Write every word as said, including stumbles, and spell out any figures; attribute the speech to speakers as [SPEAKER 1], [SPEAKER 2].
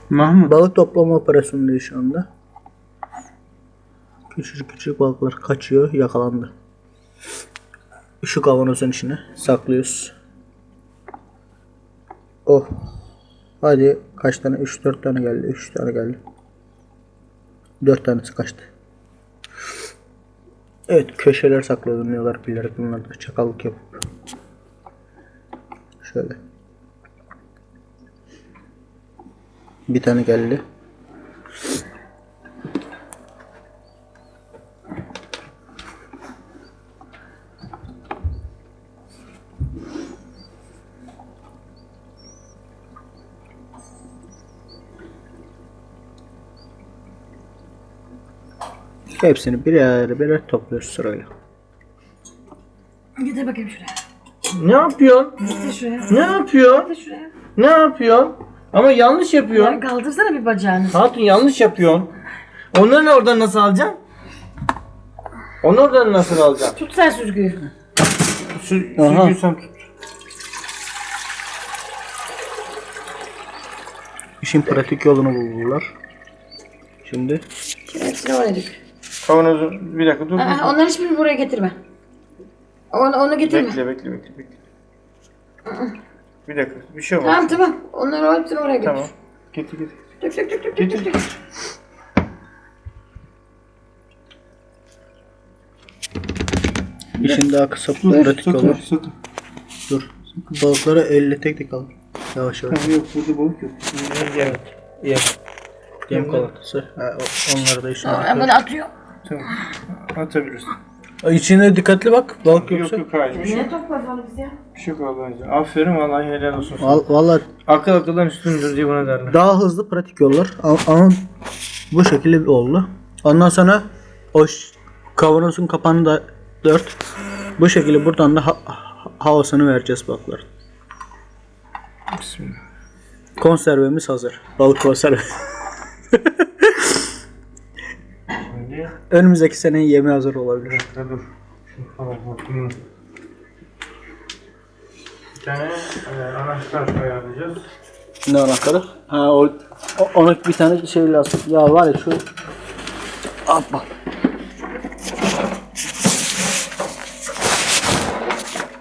[SPEAKER 1] Mahmut.
[SPEAKER 2] Balık toplama operasyonundayız şu anda. Küçücük küçük balıklar kaçıyor, yakalandı. Şu kavanozun içine saklıyoruz. Oh. Hadi kaç tane? üç dört tane geldi. üç tane geldi. dört tanesi kaçtı. Evet, köşeler saklanıyorlar bilerek, bunlar da çakallık yapıp. Şöyle. Bir tane geldi. Hepsini birer birer topluyoruz sırayla.
[SPEAKER 3] Getir bakayım şuraya.
[SPEAKER 1] Ne yapıyorsun?
[SPEAKER 3] Getir şuraya.
[SPEAKER 1] Ne yapıyorsun?
[SPEAKER 3] Getir şuraya.
[SPEAKER 1] Ne yapıyorsun? Ama yanlış yapıyorsun.
[SPEAKER 3] Ya kaldırsana bir bacağını.
[SPEAKER 1] Hatun yanlış yapıyorsun. Onları oradan nasıl alacaksın? Onu oradan nasıl alacaksın?
[SPEAKER 3] Tut sen süzgüyü.
[SPEAKER 1] Sü
[SPEAKER 2] Aha.
[SPEAKER 1] Süzgüyü sen tut.
[SPEAKER 2] İşin pratik yolunu buldular. Şimdi
[SPEAKER 3] Şimdi hepsini oraya dök.
[SPEAKER 1] Kavanozu bir dakika dur.
[SPEAKER 3] Aa, onların hiçbirini buraya getirme. Onu, onu getirme.
[SPEAKER 1] Bekle bekle bekle bekle. Bir dakika bir şey olmaz.
[SPEAKER 3] Tamam tamam. Onları hepsini oraya götür.
[SPEAKER 1] Tamam. Getir getir.
[SPEAKER 3] Dök dök dök dök dök
[SPEAKER 1] Getir.
[SPEAKER 3] dök. dök.
[SPEAKER 2] işin daha kısa
[SPEAKER 1] Dur
[SPEAKER 2] pratik yolu.
[SPEAKER 1] sakın sakın.
[SPEAKER 2] Dur. Balıkları elle tek tek al. Yavaş yavaş.
[SPEAKER 1] Tamam, yok burada balık yok.
[SPEAKER 2] Evet. Yem. Yem kalatası. Ha, o- onları da işine
[SPEAKER 3] Aa,
[SPEAKER 2] atıyoruz.
[SPEAKER 3] bunu atıyor.
[SPEAKER 1] Tamam. Atabilirsin.
[SPEAKER 2] İçine dikkatli bak. Balık
[SPEAKER 1] Yok
[SPEAKER 2] yoksa.
[SPEAKER 1] yok hayır bir şey.
[SPEAKER 3] Niye topladı onu biz ya?
[SPEAKER 1] Bir şey yok Allah'ın. Aferin vallahi helal olsun.
[SPEAKER 2] Val- Vallahi
[SPEAKER 1] Akıl akıldan üstündür diye buna derler.
[SPEAKER 2] daha hızlı pratik yollar. Ama, ama bu şekilde oldu. Ondan sonra o ş- kavanozun kapağını da dört. Bu şekilde buradan da ha- ha- havasını vereceğiz balıklar.
[SPEAKER 1] Bismillah.
[SPEAKER 2] Konservemiz hazır. Balık konserve.
[SPEAKER 1] Şimdi
[SPEAKER 2] Önümüzdeki sene yemi hazır olabilir.
[SPEAKER 1] bir dakika dur. Şunu falan bakayım. Bir tane e, anahtar ayarlayacağız.
[SPEAKER 2] Ne anahtarı? Ha o, o ona bir tane şey lazım. Ya var ya şu. Hoppa.